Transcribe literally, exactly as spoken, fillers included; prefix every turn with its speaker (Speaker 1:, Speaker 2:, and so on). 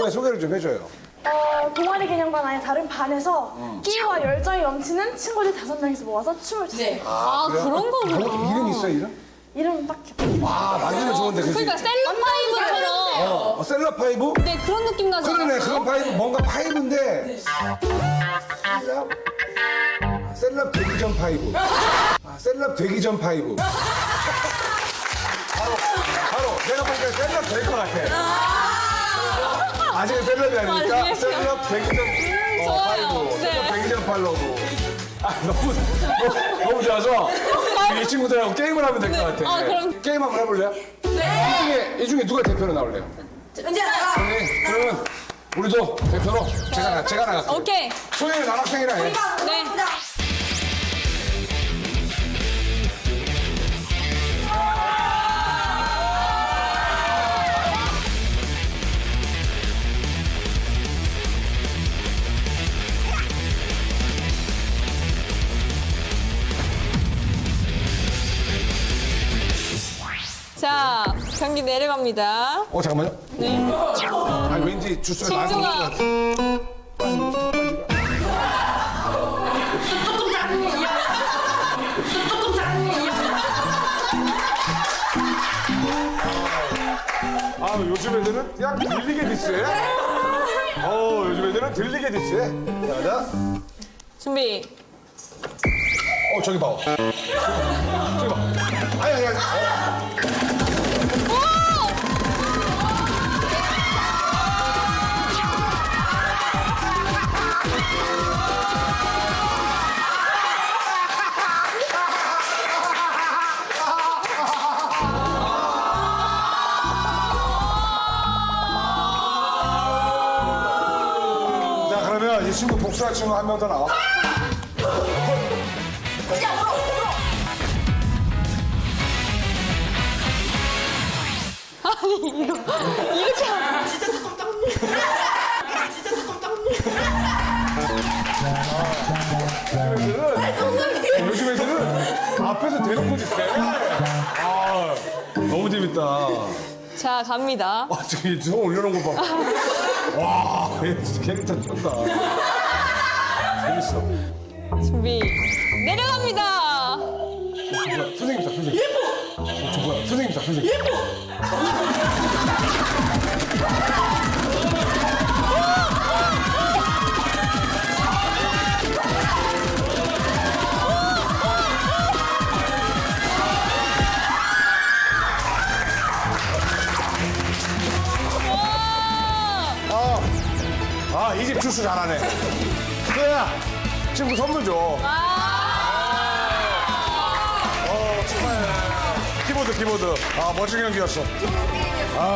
Speaker 1: 동호회 소개를 좀 해줘요.
Speaker 2: 어, 동아리 개념반 아닌 다른 반에서 끼와 열정이 넘치는 친구들 다섯 명이서 모아서 춤을 췄어요.
Speaker 3: 아, 그런 거구나.
Speaker 1: 동- 이름 있어, 이름?
Speaker 2: 이름은 딱히 없어요.
Speaker 1: 아, 만지면 좋은데, 그지?
Speaker 3: 그러니까 셀럽파이브처럼.
Speaker 1: 어, 셀럽 파이브?
Speaker 3: 네, 그런 느낌 나지
Speaker 1: 그러네,
Speaker 3: 않았어요?
Speaker 1: 그건 파이브, 뭔가 파이브인데. 셀럽? 셀럽 되기 전 파이브. 아, 셀럽 되기 전 파이브. 바로, 바로, 내가 보니까 셀럽 될 것 같아. 아직은 셀럽이 아니니까
Speaker 3: 맞아요.
Speaker 1: 셀럽 되기 전 어,
Speaker 3: 좋아요.
Speaker 1: 파이브. 셀럽
Speaker 3: 네.
Speaker 1: 되기 전 팔로우. 아, 너무, 너무, 너무 좋아서 이 친구들하고 게임을 하면 될 것 같아.
Speaker 3: 아, 그럼.
Speaker 1: 게임 한번 해볼래요? 네. 이 중에, 이 중에 누가 대표로 나올래요?
Speaker 4: 은지야 나가.
Speaker 1: 네, 그러면 우리도 대표로 제가, 나- 제가 나갈게요.
Speaker 3: 오케이.
Speaker 1: 소영이 남학생이랑 해.
Speaker 3: 네. 자, 경기 내려갑니다.
Speaker 1: 어, 잠깐만요.
Speaker 3: 네.
Speaker 1: 아니, 왠지 주소에 나올 것
Speaker 3: 진주가
Speaker 1: 같아. 아, 요즘 애들은 그냥 들리게 디스해. 어, 요즘 애들은 들리게 디스해. 자, 자.
Speaker 3: 준비.
Speaker 1: 어, 저기 봐. 저기 봐. 아니, 아니, 아니. 어. 자, 그러면 이 친구 복수할 친구 한 명 더 나와.
Speaker 4: 은지야 울어 울어.
Speaker 3: 이렇게 하면
Speaker 4: 진짜 조금 땀. 진짜 조금 땀.
Speaker 1: 요즘 애들은 앞에서 대놓고 짓해. 아, 너무 재밌다.
Speaker 3: 자, 갑니다.
Speaker 1: 와, 저기 손 올려놓은 거 봐. 와, 얘 진짜 캐릭터 쩐다. 재밌어.
Speaker 3: 준비. 내려갑니다.
Speaker 1: 뭐야, 선생님이다, 선생님. 예뻐! 어, 저 뭐야, 선생님이다, 선생님. 예뻐!
Speaker 3: 와!
Speaker 1: 아, 이 집 출수 잘하네. 그래야 친구 선물 줘.
Speaker 3: 아!
Speaker 1: 어, 축하해. 키보드, 키보드. 아, 멋진 경기였어.